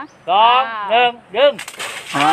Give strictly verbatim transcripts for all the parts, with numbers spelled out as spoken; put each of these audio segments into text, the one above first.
สองหนึ่งดึงอ๋อ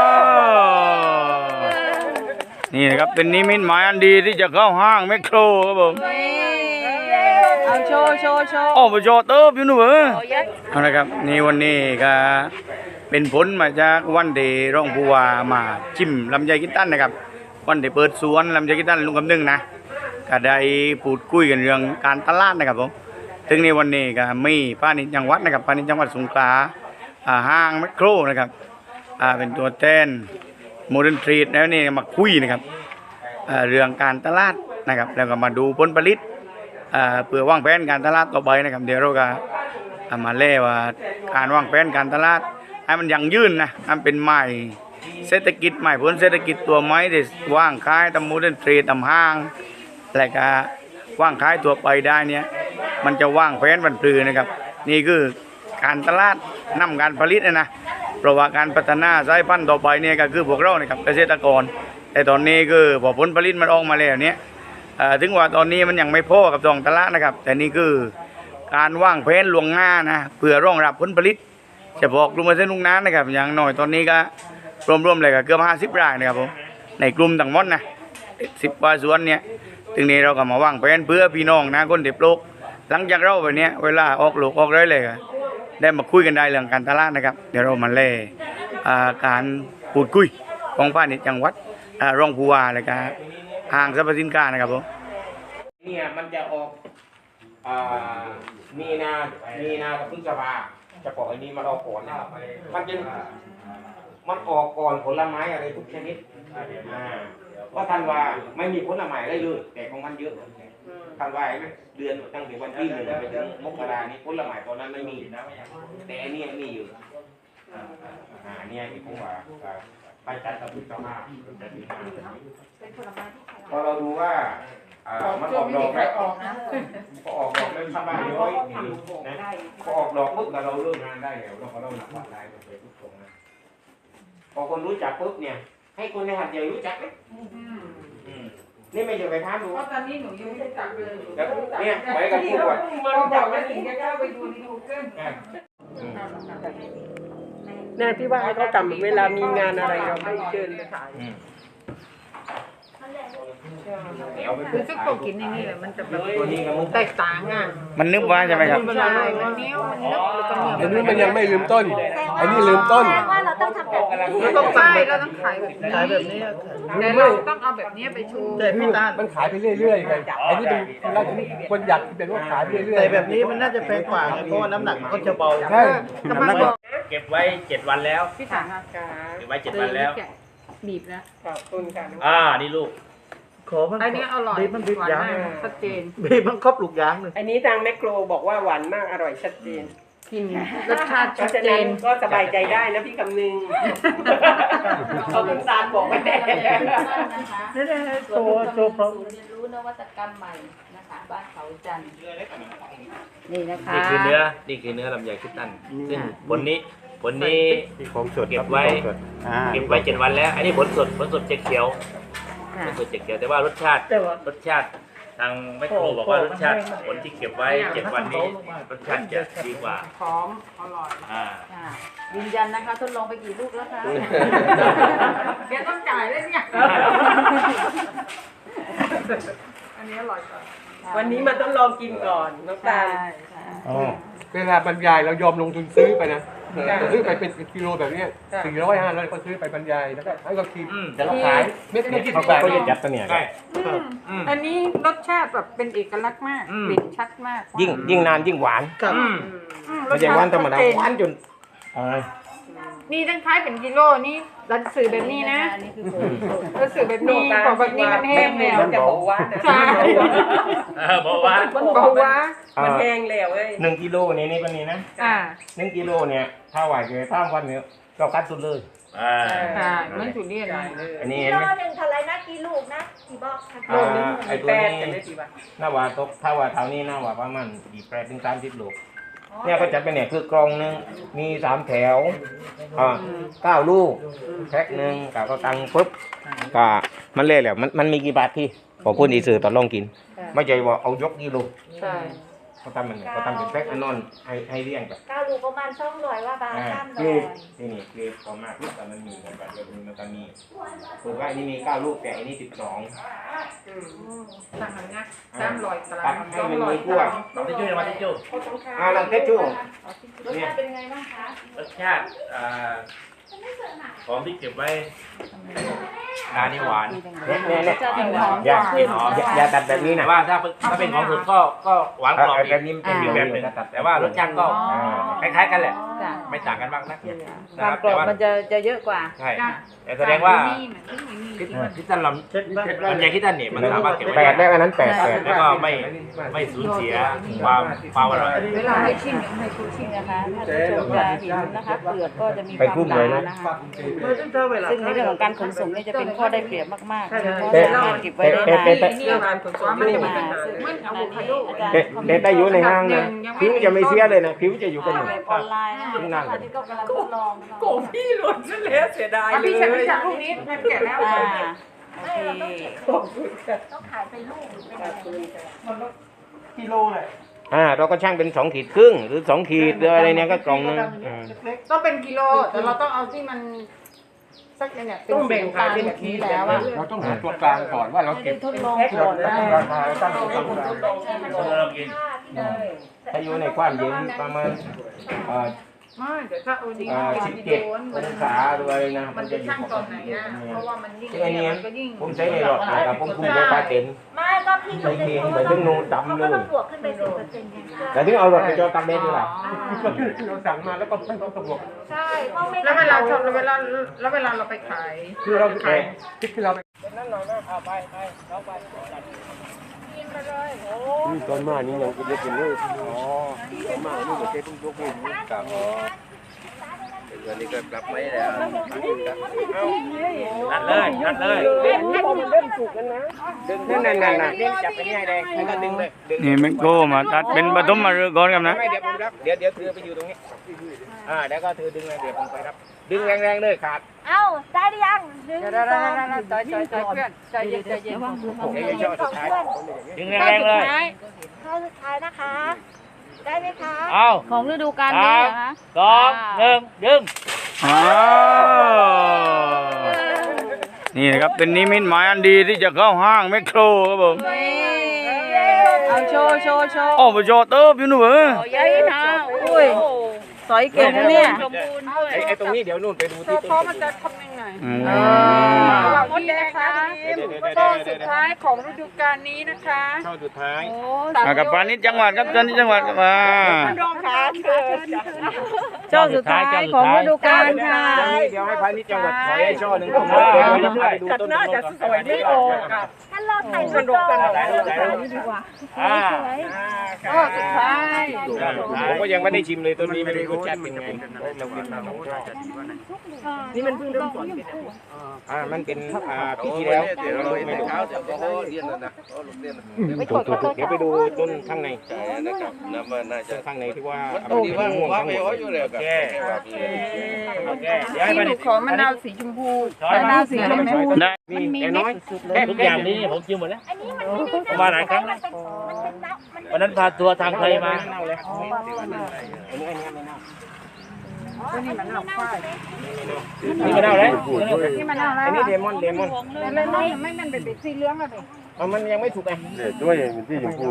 นี่นะครับเป็นนิมิตหมายอันดีที่จะเข้าห้างแมคโครครับผมเอาโชว์โชว์โชว์โอ้ไปโชว์เติบอยู่นู่นเหรอเอาละครับนี่วันนี้ก็เป็นผลมาจากวันเดย์ร้องผู้ว่ามาชิมลำไยกินตันนะครับวันเดย์เปิดสวนลำไยกินตันลุงคำนึงนะก็ได้พูดคุยกันเรื่องการตลาดนะครับผมถึงในวันนี้ก็มีพาณิชย์จังหวัดนะครับพาณิชย์จังหวัดสงขลาห้างแมคโครนะครับเป็นตัวแทนโมเดิร์นทรีดแล้วนี่มาคุยนะครับเรื่องการตลาดนะครับแล้วก็มาดูผลผลิตเพื่อวางแผนการตลาดต่อไปนะครับเดี๋ยวเราก็มาเล่ว่าการวางแผนการตลาดให้มันยั่งยืนนะมันเป็นไม้เศรษฐกิจใหม่ผลเศรษฐกิจตัวไม้ที่ว่างขายตามโมเดิร์นทรีดตามห้างอะไรก็ว่างขายตัวไปได้เนี่ยมันจะว่างแผนบรรพลือนะครับนี่คือการตลาดนำการผลิตนะนะเพราะว่าการพัฒนาสายพันธุ์ต่อไปเนี่ยก็คือพวกเรานะครับเกษตรกรแต่ตอนนี้คือพอผลผลิตมันออกมาแล้วเนี่ยถึงว่าตอนนี้มันยังไม่พอกับท้องตลาดนะครับแต่นี่คือการว่างแผนลวงหน้านะเพื่อรองรับผลผลิตเฉพาะกลุ่มเกษตรลุงน้านะครับอย่างน้อยตอนนี้ก็รวมๆเลยก็เกือบห้าสิบรายนะครับผมในกลุ่มต่างหมดนะสิบกว่าสวนเนี่ยถึงนี้เราก็มาว่างแผนเพื่อพี่น้องนะคนเด็บโลกหลังจากเราแบบนี้เวลาออกลูกออกได้เลยได้มาคุยกันได้เรื่องการตลาดนะครับเดี๋ยวเรามาเล่การพูดคุยของพาณิชย์จังหวัดรองผู้ว่าเลยครับห้างสรรพสินค้านะครับผมเนี่ยมันจะออกมีนามีนากับพฤษภาจะปล่อยอันนี้มันออกก่อนนะครับมันจะมันออกก่อนผลไม้อะไรทุกชนิดเพราะทันว่าไม่มีผลไม้ได้เลยแต่ของมันเยอะทันว่าไหมเดือนตั้งแต่วันที่หนึ่งไปถึงมกรานี้ผลไม้ตอนนั้นไม่มีแต่อันนี้มีอยู่อ่าเนี่ยที่ผมว่าไปจัดกับพฤษภาพอเราดูว่ามันออกดอกแล้วพอออกดอกแล้วชาวบ้านน้อยนะพอออกดอกปุ๊บเราเริ่มงานได้แล้วเราก็เริ่มหนักวัดได้ไปทุกตรงนะพอคนรู้จักปุ๊บเนี่ยให้คนในหัดใหญ่รู้จักเลยนี่ไม่จะไปท้าดูเพราะตอนนี้หนูยังไม่รู้จักเลยเนี่ยไปกับผู้ก่อนมันจับแล้วถึงจะเข้าไปดูในกูเกิลแน่ที่ว่าให้เขาทำเวลามีงานอะไรเราไม่เชิญไปขายคือซุปโกกินในนี่แหละมันจะแบบแตกต่างอ่ะมันนึกว่าใช่ไหมครับใช่มันเนี้ยมันนึกแล้วก็เหนียวอันนี้มันยังไม่ลืมต้นอันนี้ลืมต้นว่าเราต้องทำแบบนี้เราต้องใช่เราต้องขายแบบนี้ขายแบบนี้แต่เราต้องเอาแบบนี้ไปชูแต่พี่ตามันขายไปเรื่อยๆไงอันนี้เป็นเราคนอยากเป็นว่าขายไปเรื่อยๆแต่แบบนี้มันน่าจะแพงกว่าเพราะว่าน้ำหนักมันก็จะเบาใช่น้ำหนักเก็บไว้เจ็ดวันแล้วพี่ถังอากาศเก็บไว้เจ็ดวันแล้วบีบนะขอบคุณค่ะอ่านี่ลูกขอมันอันนี้อร่อยบีบมันบีบยางชัดเจนบีบมันครบลูกยางเลยอันนี้ทางแมคโครบอกว่าหวานมากอร่อยชัดเจนกินรสชาติชัดเจนก็สบายใจได้นะพี่คำนึงเขาเป็นซานบอกไว้แต่นะคะโชว์โชว์พร้อมศูนย์เรียนรู้นวัตกรรมใหม่นะคะบ้านเขาจันทร์นี่นะคะนี่คือเนื้อนี่คือเนื้อลำไยคิดตันซึ่งผลนี้ผลนี้เก็บไว้เก็บไว้เจ็ดวันแล้วอันนี้ผลสดผลสดเจ็ดเขียวผลสดเจ็ดเขียวแต่ว่ารสชาติรสชาติทางแม่ครูบอกว่ารสชาติผลที่เก็บไว้เจ็ดวันนี้รสชาติจะดีกว่าหอมอร่อยอ่ายืนยันนะคะทดลองไปกี่ลูกแล้วคะแกต้องจ่ายเลยเนี่ยอันนี้อร่อยกว่าวันนี้มันต้องลองกินก่อนน้องตาลเวลาบรรยายเรายอมลงทุนซื้อไปนะซื้อไปเป็นกิโลแบบนี้สี่ร้อยห้าร้อยก็ซื้อไปบรรยายแล้วก็ให้เขากินแต่เราขายไม่ไม่กินไปก็ยัดตัวเนี่ยอันนี้รสชาติแบบเป็นเอกลักษณ์มากเด่นชัดมากยิ่งยิ่งนานยิ่งหวานไม่ใช่หวานธรรมดาหวานจนนี่ตั้งท้ายเป็นกิโลนี่รัดสื่อแบบนี้นะรัดสื่อแบบนี้บอกแบบนี้มันแห้งแล้วจะบอกว่าใช่บอกว่าบอกว่ามันแห้งแล้วเลยหนึ่งกิโลนี่นี่เป็นนี้นะอ่าหนึ่งกิโลเนี่ยถ้าไหวเลยถ้าวันนี้เราคัดสุดเลยอ่าใช่มันจุดเรียนอันนี้กิโลหนึ่งเท่าไรนะกี่ลูกนะกี่บอกโลนึงไอตัวนี้หน้าว่าตกถ้าว่าเท่านี้หน้าว่าประมาณยี่แปดถึงสามสิบลูกเนี่ยก็จัดเป็นเนี่ยคือกล่องนึงมีสามแถวอ่าเก้าลูกแพ็คหนึ่งกับก็ตังปุ๊บก็มันเล่แหละมันมันมีกี่บาทที่พอพูดอีสื่อตอนลองกินไม่ใช่ว่าเอายกกิโลใช่เขาทำมันไงเขาทำเป็นแพ็คอันนอนให้ให้เลี้ยงแบบเก้าลูกประมาณสองร้อยว่าบาทอ่าสามเกร้รอยดนี่นี่เกรดพอมากแต่มันมีกันแบบเดียวกันมันก็มีถือว่าอันนี้มีเก้าลูกแต่อันนี้สิบสองต่างกันนะสามร้อยตารางให้มันมีกล้วยมาที่จู้มาที่จู้อ่าลองเทสชูรสชาติเป็นไงบ้างคะรสชาติอ่าของที่เก็บไว้ทานนี่หวานเนี่ยเนี่ยเนี่ยจะเป็นหอมอย่าขึ้นอย่าอย่าตัดแบบนี้แต่นะว่าถ้าถ้าเป็นของสดก็ก็หวานกรอบอีกแบบนี้เป็นอีกแบแบบ บหหนึ่นึ่งงแต่ว่ารสชาติก็คล้ายๆกันแหละจ้ะไม่ต่างกันมากนักคนะวามครับกรอบแต่ว่ามันจะจะเยอะกว่าใช่แต่แสดงว่านี่เหมือนที่มีคิดคิดตันลำลำไยคิดตันเนี่ยมันสามารถเก็บไว้แปดได้แล้วอันนั้นแปดแปดแล้วก็ไม่ไม่สูญเสียความความอร่อยเวลาให้ชิมให้คุณชินี่มนะคะถ้าผู้ชมจะเห็นนะคะเปลือกก็จะมีความหนานะคะเออถ้าเวลาซึ่งในเรื่องของการขนส่งนี่จะเป็นข้อได้เปรียบมากๆเพราะแต่สามารถเก็บไว้ได้แต่นานแต่แต่นี่การผสมมันจะเป็นปัญหามันอะโวคาโดแต่แต่ถ้าอยู่ในห้างนะผิวจะไม่เสียเลยนะผิวจะอยู่กันหนึ่งเว็บออนไลน์นะคะอันนี้ก็กำลังทดลองโกพี่หล่นซะแล้วเสียดายเลยพี่ฉันไม่จับลูกนี้มันแก่แล้วอ่าโอเคต้องขายเป็นลูกหรือเป็นอะไรกิโลเลยอ่าเราก็ช่างเป็นสองขีดครึ่งหรือสองขีดหรืออะไรเนี่ยก็กล่องนึงอืมต้องเป็นกิโลแต่เราต้องเอาที่มันสักเนี่ยเป็นสีน้ำตาลแบบนี้แล้วอะเราต้องหาตัวกลางก่อนว่าเราไม่เก็ได้บทดลองก่อนนะราคาตั้งตัวกลางเรากินถ้าอยู่ในความเย็นประมาณเอ่อไม่เดี๋ยวถ้าเอาดีเอ่อสิบเจ็ดองศาด้วยนะมันจะจะอยู่ช่างปตกอนไหนติอะเพราะว่ามันยิ่งซึ่งอันนี้มันก็ยิ่งผมใช้ในหลอดนะครับผมคุมด้วยปลาเต็นไม่ก็พี่ใช้เคียงไปถึงนูนดำเลยบวกขึ้นไปสิบเปอร์เซ็นต์ไงแต่ถึงเอาหลอดไปจอตักเด็ดด้วยล่ะก็คือเราสั่งมาแล้วก็ไม่ต้องตำรวจใช่เพราะไม่แล้วเวลาชอบแล้วเวลาแล้วเวลาเราไปขายคือเราแค่คิดที่เราไป นี่ตอนมานี่ยังจะเป็นเลยอ๋อตอนมานี่มันจะต้องยกมือกับวันนี้ก็กลับไม่แล้วนัดเลยนัดเลยดึงนั่นนั่นนั่นเล่นจับไปนี่ให้แดงแล้วก็ดึงเลยดึงนี่แมงโก้มาตัดเป็นปฐมมาฤกษ์ก่อนครับนะไม่เดี๋ยวผมรับเดี๋ยวเดี๋ยวเธอไปอยู่ตรงนี้อ่าแล้วก็เธอดึงเลยเดี๋ยวผมไปรับดึงแรงๆเลยขาดเอ้าได้หรือยังหนึ่งเดี๋ยวสเดี๋ยวองเดี๋ยวใจใจใจเพื่อนใจเย็นใจเย็นเดี๋ยวจะสุดท้ายดึงแรงๆเลยข้อสุดท้ายนะคะ ได้ไหมคะเอาของฤดูกาลนี้เหรอคะสองหนึ่งดึงอ้าวนี่นะครับเป็นนิมิตหมายอันดีที่จะเข้าห้างแมคโครครับผมเอาโชว์โชว์โชว์โอ้ไปโชว์เติบอยู่นู่นเหรอใหญ่นะอุ้ยสอยเก่งนะเนี่ยไอ้ไอ้ตรงนี้เดี๋ยวนู่นไปดูเพที่ราะเพราะมันจะทำยังไงอืมเราดีนะคะช่วงสุดท้ายของฤดูกาลนี้นะคะช่อสุดท้ายมากับปานิชจังหวัดครับปานิชจังหวัดครับมารองขาเชิญช่วงสุดท้ายของฤดูกาลค่ะเดี๋ยวให้พาณิชย์จังหวัดถอยให้ช่อหนึ่งผมเดี๋ยวเราไปดูต้นน่าจะสวยไม่ออกอ่ะท่านรอถ่ายรูปก่อนอ่าก็สุดท้ายผมก็ยังไม่ได้ชิมเลยต้นนี้ไม่รู้รสชาติเป็นไงเรากินมาสองช่อนี่มันเพิ่งเริ่มสอนอ่ามันเป็นอ่าปีที่แล้วเดี๋ยวเราไม่ดูไม่กดกดเดี๋ยวไปดูต้นข้างในนะครับน้ำมันน่าจะข้างในที่ว่าดีว่าม่วงทั้งหมดโอเคโอเคเดี๋ยวให้ที่มาหนูขอมะนาวสีชมพูช้อนมะมานาวสีชมพูได้มีแต่น้อยทุกอย่างนี้ผมชิมหมดแล้วอันนี้มันไม่ได้ผมมาหลายครั้งแล้วมันเป็นน้ำมันวันนั้นพาทัวร์ทางไทยมาเน่าเลยอันนี้อันนี้ไม่เน่านี่มะนาวฝ้ายนี่มาเน่าแล้วนี่มะนาวอะไรอันนี้เลมอนเลมอนเลยไม่ไม่มันเป็นสีเหลืองอะดิมันยังไม่สุกไงด้วยเป็นที่ชมพู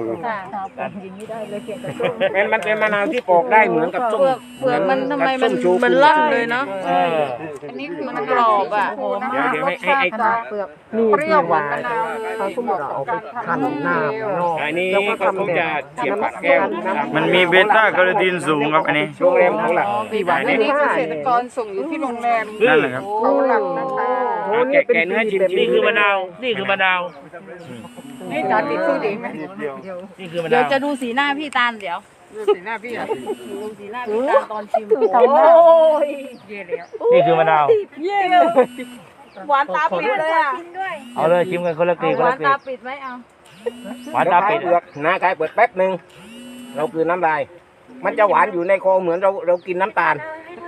มันมันเป็นมะนาวที่ปอกได้เหมือนกับส้มเปลือกมันทำไมมันส้มันล่ำเลยเนาะเอออันนี้คือมันกรอบอ่ะหอมเดี๋ยวมากเดี๋ยวรให้สให้ชาให้ติเปลือกเปรี้ยวเหมือนมะนาวเลยเหมาะกับการทำน้ำเปรี้ยวอันนี้ก็เขาจะเสียบปากแก้วมันมีเบต้าแคโรทีนสูงครับอันนี้โรงแรมเขาหลักอันนี้เกษตรกรส่งอยู่ที่โรงแรมนั่นแหละครับเขาหลักนะคะแกะแกะเนื้อชิมนี่คือมะนาวนี่คือมะนาวนี่จานติดสู้ดีไหมนี่คือมะเดี๋ยนาว วจะดูสีหน้าพี่ตาลเดี๋ยวดูสีหน้าพี่อ่ะดูสีหน้าพี่ตาลตอนชิมโอ้ยเย่แล้วนี่คือมะนาวเยี่ยเลยหวานตาปิดเลยอ่ะเอาเลยชิมกันคนละกลีเอาคนหวาละนกลีตาปิดไหมเอาหวานตาปิดเปลือกนะกายเปิดแป๊บหนึ่งเราคือน้ำลาย มันจะหวานอยู่ในคอเหมือนเราเรากินน้ำตาลใ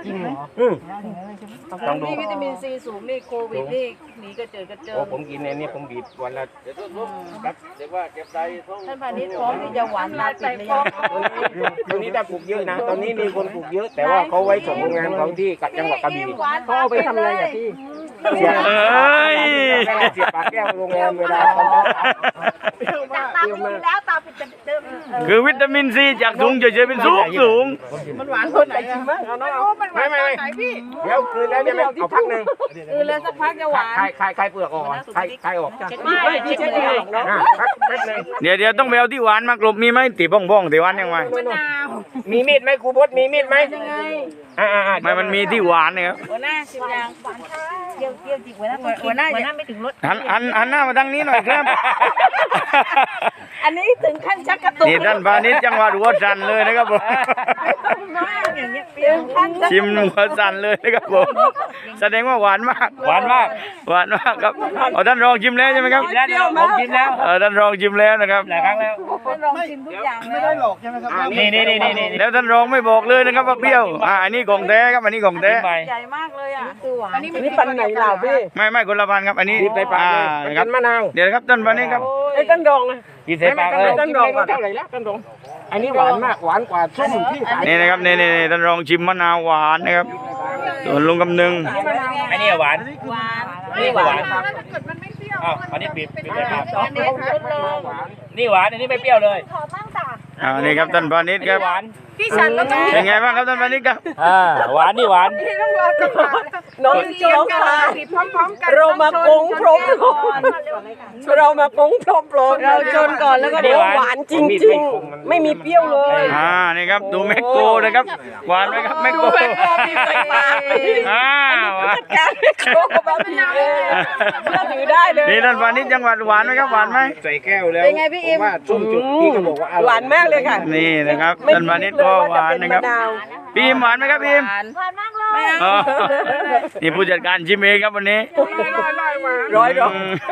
จริงเหรออืมต้องดูนี่วิตามินซีสูงนี่โควิดนี่หนีกระเจิดกระเจิโอ้งผมกินเนี่ยผมบีบวันละครับท่านพาณิชย์พร้อมที่จะหวานลาติดเลยยังตรงนี้ได้ปลูกเยอะนะ ตอนนี้มีคนปลูกเยอะ แต่ว่าเขาไว้ส่งโรงงานเขาที่จังหวัดกระบี่เขาเอาไปทำอะไรอ่ะพี่เสียเอ้ยเวลาเสียบปากแก้วโรงแรมเวลาเขาจะจากตาไม่มีแล้วตาเป็นเดิมคือวิตามินซีจากสูงเฉยๆเป็นสูงสูงมันหวานคนไหนจริงมั้งเอาน้องเอาไม่ไม่ไม่เดี๋ยวคืนแล้วจะไม่เอาพักหนึ่งคือแล้วสักพักจะหวานคลายคลายคลายเปลือกออกคลายคลายออกไม่พี่เช็คเองเนาะอ่ะพักแป๊บหนึงเดี๋ยวเดี๋ยวต้องไปเอาที่หวานมากลบมีไหมตีบ้องบ้องตีหวานยังไงมีมีดไหมครูบดมีมีดไหมอ่าอ่าอ่าไม่มันมีที่หวานนะครับหัวหน้าชิมยังเกี่ยวเกี่ยวจิกหัวหน้าหัวหน้าหัวหน้าไม่ถึงรถหันหันหันหน้ามาทางนี้หน่อยครับอันนี้ถึงขั้นชักกระตุกนี่ท่านพาณิชย์จังหวัดหัวสันเลยนะครับผมอย่างเงี้ยถึงขั้นชักชิมหัวสันเลยนะครับผมแสดงว่าหวานมากหวานมากหวานมากครับเอาท่านรองชิมแล้วใช่ไหมครับแล้วเดี๋ยวผมกินแล้วเออท่านรองชิมแล้วนะครับหลายครั้งแล้วลองชิมทุกอย่างไม่เลได้ยหลอกใช่ไหมครับอ่านี่นี่นี่นี่นี่แล้วท่านรองไม่บอกเลยนะครับว่าเปรี้ยวอ่าอันนี้ของแท้ครับอันนี้ของแท้ไปใหญ่มากเลยอ่ะคือหวานนี่ปันไหนเหล่าพี่ไม่ไม่คนละพันครับอันนี้บีบใส่ปากอ่าเลยนะครับเป็นมะนาวเดี๋ยวนะครับท่านพาณิชย์ครับไอ้ต้นดองนะกินใส่ปากเลยต้นดองเท่าไหร่แล้วต้นดองอันนี้หวานมากหวานกว่าส้มที่ขายนี่นะครับนี่นี่นี่ท่านรองชิมมะนาวหวานนะครับส่วนลุงกำนึงอันนี้หวานหวานนี่ก็หวานถ้าเกิดมันไม่เปรี้ยวอ้าวอันนี้ปิดปิดใส่ปากอันนี้ทดลองนี่หวานอันนี้ไม่เปรี้ยวเลยอ่านี่ครับท่านพาณิชย์ครับหวานพี่ฉันแล้วก็เป็นไงบ้างครับท่านพาณิชย์ครับอ่าหวานนี่หวานพี่ต้องรอจังหวะน้องเจียวกันค่ะสิพร้อมๆกันเรามากงพรมเรามากงพรมพรมเราชนก่อนแล้วก็บอกหวานจริงๆ ไม่มีเปรี้ยวเลยอ่านี่ครับดูแมกโกนะครับหวานไหมครับแมกโกมีใส่ปากอ่าหวานการไม่โคกแบบนี้เลยเชื่อถือได้เลยนี่ท่านพาณิชย์จังหวัดหวานไหมครับหวานไหมใส่แก้วแล้วเป็นไงพี่อิมว่าส้มจุดพี่ก็บอกว่าอร่อยหวานมากเลยค่ะนี่นะครับท่านพาณิชย์ก็หวานนะครับพีมหวานไหมครับพีมหวานมากเลยอ๋อนี่ผู้จัดการชิมเองครับวันนี้ร้อยดอกอืม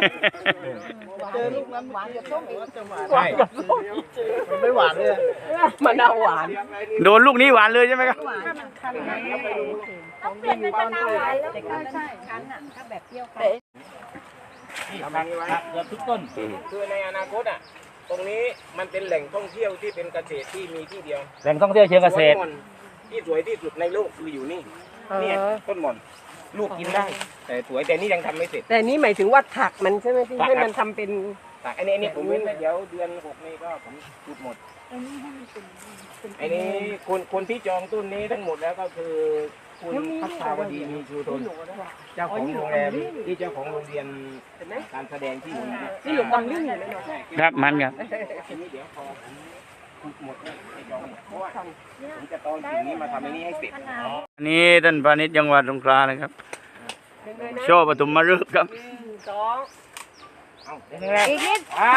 ใช่ไม่หวานเลยมะนาวหวานโดนลูกนี้หวานเลยใช่ไหมครับต้องเปลี่ยนเป็นมะนาวหวานแล้วก็ใช่คั้นอ่ะถ้าแบบเปรี้ยวคั้นนี่ผักผักเกือบทุกต้นคือในอนาคตอ่ะตรงนี้มันเป็นแหล่งท่องเที่ยวที่เป็นเกษตรที่มีที่เดียวแหล่งท่องเที่ยวเชิงเกษตรต้นหม่อนที่สวยที่สุดในโลกคืออยู่นี่เนี่ยต้นหม่อนลูกกินได้ แต่สวยแต่นี่ยังทำไม่เสร็จแต่นี่หมายถึงว่าถักมันใช่ไหมพี่ให้มันทำเป็นแต่อันนี้อันนี้ผมเว้นไว้เดี๋ยวเดือนหกนี้ก็ผมจุดหมดอันนี้คนคนที่จองต้นนี้ทั้งหมดแล้วก็คือคุณพัฒนาวดีมีชูทนเจ้าของโรงแรมที่เจ้าของโรงเรียนการแสดงที่อยู่นี่นี่หลุมดำลื่นอยู่เลยเนาะครับมันครับอันนี้เดี๋ยวพอผมขุดหมดเนี่ยไปจองหมดเพราะว่าผมจะตอนสิ่งนี้มาทำอันนี้ให้เสร็จอันนี้ท่านพาณิชย์จังหวัดสงขลานะครับโชว์ปฐมฤกษ์ครับสองเอาเดี๋ยวแรกอีกนิดอ่า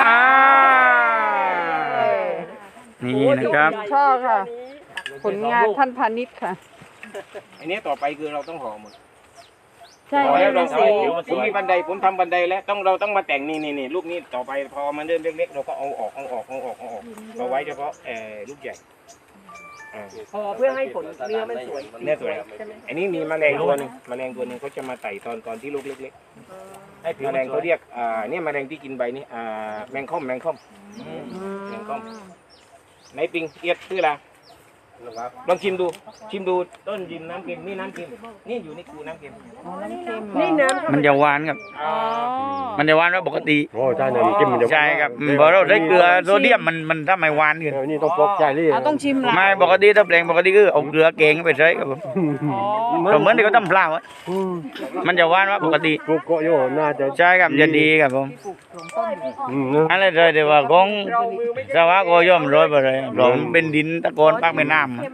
นี่นะครับชอบค่ะ ผลงานท่านพาณิชย์ค่ะอันนี้ต่อไปคือเราต้องห่อหมดใช่ห่อแล้วเราไม่ทำผมมีบันไดผมทำบันไดแล้วต้องเราต้องมาแต่งนี่นี่นี่ลูกนี้ต่อไปพอมันเริ่มเล็กๆเราก็เอาออกเอาออกเอาออกเอาออกเอาไว้เฉพาะเอ่อลูกใหญ่อ่าพอเพื่อให้ผลเนื้อมันสวยเนี่ยสวยครับอันนี้มีแมลงตัวหนึงแมลงตัวหนึงเขาจะมาไต่ตอนตอนที่ลูกเล็กๆไอ้แมลงเขาเรียกอ่าเนี่ยแมลงที่กินใบนี่อ่าแมงค่อมแมงค่อมแมงค่อมไหนปิงเอียดชื่ออะไรลองชิมดูชิมดูต้นยิมน้ำเค็มนี่น้ำเค็มนี่อยู่ในคูน้ำเค็มนี่น้ำมันจะหวานครับอ่ามันจะหวานว่าปกติโอ้ใช่เนี่ยจิ้มมันจะใช่ครับเพอเราใช้เกลือโซเดียมมันมันทำให้หวานขึ้นนี่ต้องปอกใจเลยเราต้องชิมละไม่ปกติถ้าแปลงปกติคือเอาเกลือเกงไปใช้ครับผมก็เหมือนที่เขาทำปลาไว้มันจะหวานว่าปกติปลูกเกาะโยน่าจะใช่ครับจะดีครับผมอืมอะไรเลยแต่ว่าของสวะก็ย่อมร้อยไปเลยผมเป็นดินตะกอนปากแม่น้ำ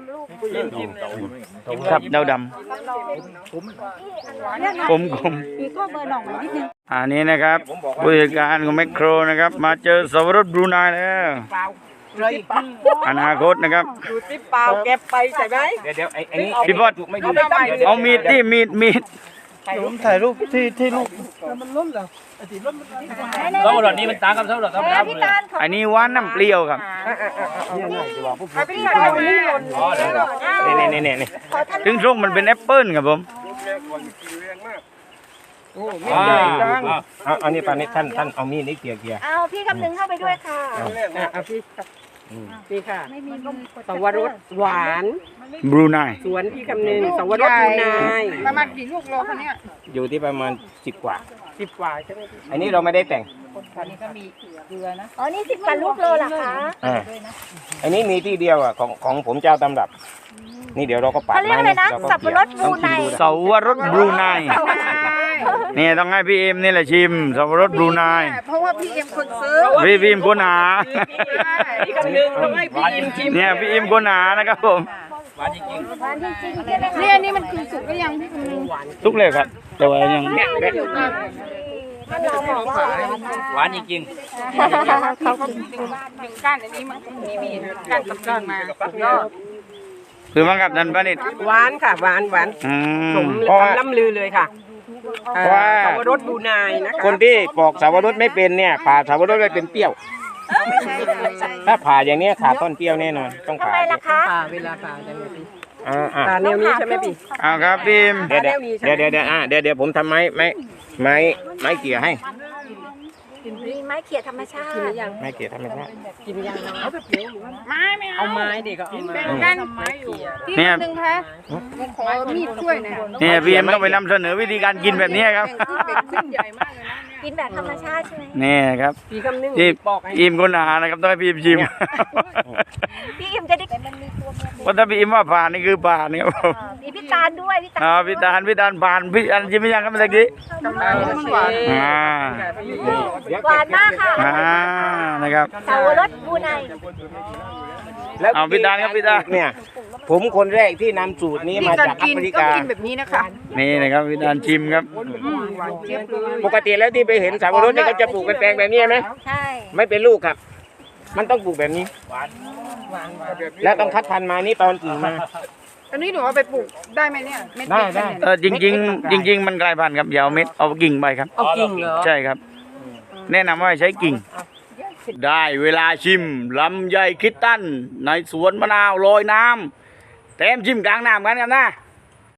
ครับดาวดำกลมกลมมีข้อเบอร์หน่องนิดนึงอันนี้นะครับผู้จัดการของแมคโครนะครับ มาเจอสวรสบรูไนแล้วเลยอนาคตนะครับดูสิเปล่าเก็บไปใช่ไหมเดี๋ยวเดี๋ยวไอ้ไอ้นี่พี่บอสถูกไม่ดีเอามีดที่มีดมีดผมถ่ายรูปที่ที่ลูกเท่าหลอดนี้มันต่างกับเท่าหลอดธรรมดาเลยอันนี้หวานน้ำเปรี้ยวครับเอาไปใส่วันนี้หล่นอ๋อเดี๋ยวนี่นี่นี่นี่ถึงส้มมันเป็นแอปเปิ้ลครับผมอ่าเอาเอานี่ปานี่ท่านท่านเอามีดนี่เกี่ยเกี่ยเอาพี่คำนึงเข้าไปด้วยค่ะเอาพี่พี่ค่ะสวรสหวานบรูไนสวนพี่คำนึงสวรสบูนายประมาณกี่ลูกโลคะเนี่ยอยู่ที่ประมาณสิบกว่าสิบกว่าใช่ไหมพี่อันนี้เราไม่ได้แต่งอ๋อ นี่สิบกว่าลูกโลเหรอคะอ่าอันนี้มีที่เดียวอ่ะของของผมเจ้าตำรับ นี่เดี๋ยวเราก็ปาดเขาเรียกอะไรนะเราก็สับปะรดบูไนเสาวรสบรูไนนี่ต้องให้พี่เอ็มนี่แหละชิมเสาวรสบรูไนเพราะว่าพี่เอ็มคนซื้อพี่พี่เอ็มคนหาพี่คำนึงต้องให้พี่อิมชิมเนี่ยพี่เอ็มคนหานะครับผมหวานจริงหวานจริงๆใช่ไหมคะเนี่ยอันนี้มันคือสุกหรือยังพี่คำนึงทุกเลยครับ แต่ว่ายังท่านรองบอกว่าๆหวานจริงเขาก็ดึงดึงก้านอันนี้มันมีมีก้านกับก้านมาก็คือมั้งครับนันปานิดหวานค่ะหวานหวานอืสมมเพราะว่าคำล่ำลือเลยค่ะเพราะว่าสวรสบูนายนะคะคนที่ปอกสาวรสไม่เป็นเนี่ยผ่าสาวรสไม่เป็นเปรี้ยว ถ้าผ่าอย่างเนี้ยขาดต้นเปรี้ยวแน่นอน ต้องทำผ่าไมล่ะคะป่าเวลาป่าจะมีพี่อ่าอ่าป่าแนวนี้ใช่ไหมพี่เอาครับพี่เอ็มเดี๋ยวเดี๋ยวเดี๋ยวเดี๋ยวอ่าเดี๋ยวเดี๋ยวผมทำไม้ไม้ไม้ไม้เกี่ยให้มีไม้เขี่ยธรรมชาติกินหรือยังไม้เกี่ยทำไมครับกินยังเอาแบบเดียวไม้ไม่เอาเอาไม้เด็กก็เอาไม้เป็นก้านไม้อยู่พี่คำนึงคะผมขอมีดช่วยหน่อยเนี่ยพี่เอ็มต้องไปนำเสนอวิธีการกินแบบนี้ครับเป็นขึ้นใหญ่มากเลยนะเนี่ยกินแบบธรรมชาติใช่ไหมนี่ครับพี่คำนึงที่บอกให้อิมคนหานะครับต้องให้พี่อิมชิมพี่อิมจะได้มันมีตัวเมียเพราะถ้าพี่อิมว่าผ่านนี่คือผ่านนี่ครับผมมีพี่ตาลด้วยพี่ตาลอ่าพี่ตาลพี่ตาลผ่านพี่อันชิมไม่ยังครับเมื่อกี้กำลังมันหวานอ่าหวานมากค่ะอ่านะครับสาวรสบูไนแล้วเอาพี่ตาลครับพี่ตาลเนี่ย ผมคนแรกที่นำสูตรนี้นี่มาการจากแอกินฟริต้องกากินแบบนี้นะคะนี่นะครับพี่ตาลชิมครับหวานเจี๊ยบเลยปกติแล้วที่ไปเห็นสาวรสเนี่ยเขาจะปลูกเป็นแปลงแบบนี้ไหมใช่ไม่เป็นลูกครับ มันต้องปลูกแบบนี้ แล้วต้องคัดพันธุ์มานี่ตอนกิ่งมาอันนี้หนูเอาไปปลูกได้ไหมเนี่ยเม็ดได้ติได้เนี่ยเออจริง ๆ จริง ๆ มันกลายพันธุ์ครับอย่าเอาเม็ดเอากิ่งไปครับเอากิ่งเหรอใช่ครับ แนะนำว่าใช้กิ่ง ได้เวลาชิมลำไยคิดตันในสวนมะนาวลอยน้ำแถมชิมกลางน้ำกันครับนะ